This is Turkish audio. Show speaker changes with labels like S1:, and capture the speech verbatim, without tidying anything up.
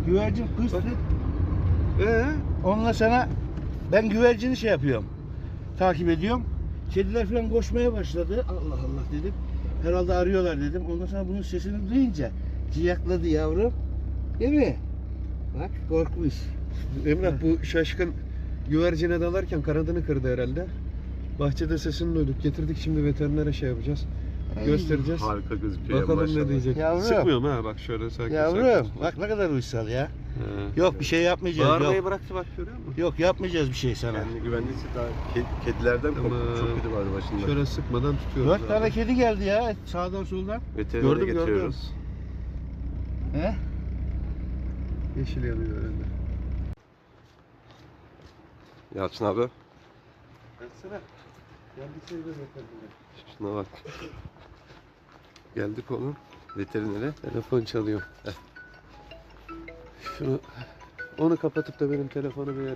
S1: Güvercin kıstı.
S2: Ee?
S1: Onunla sana ben güvercini şey yapıyorum. Takip ediyorum. Kediler falan koşmaya başladı. Allah Allah dedim. Herhalde arıyorlar dedim. Ondan sonra bunun sesini duyunca ciyakladı yavrum. Değil mi? Bak korkmuş.
S2: Emrah bu şaşkın güvercine dalarken kanadını kırdı herhalde. Bahçede sesini duyduk. Getirdik şimdi veterinere şey yapacağız.
S1: Ay.
S2: Göstereceğiz.
S3: Harika gözüküyor.
S2: Bakalım
S3: maşallah.
S2: ne diyecek.
S1: Yavrum.
S2: Sıkmıyorum ha bak şöyle sakin
S1: Yavrum
S2: sakin.
S1: bak ne kadar uysal ya.
S2: He.
S1: Yok bir şey yapmayacağız.
S2: Bağırmayı
S1: Yok.
S2: bıraktı bak görüyor musun?
S1: Yok yapmayacağız bir şey sana.
S3: Kendini güvendiyse daha ke- kedilerden korktu.
S2: Tamam.
S3: Çok kötü vardı başında.
S2: Şöyle sıkmadan tutuyoruz.
S1: Dört
S2: abi.
S1: tane kedi geldi ya sağdan soldan.
S3: Veterinere
S2: Gördüm, gördüm.
S3: getiriyoruz.
S1: He?
S2: Yeşil yanıyor herhalde.
S3: Yalçın abi.
S2: Baksana. Geldik sayıda veterinere.
S3: Şuna bak. Geldik onun veterinere.
S2: Telefon çalıyor. Şunu onu kapatıp da benim telefonu bir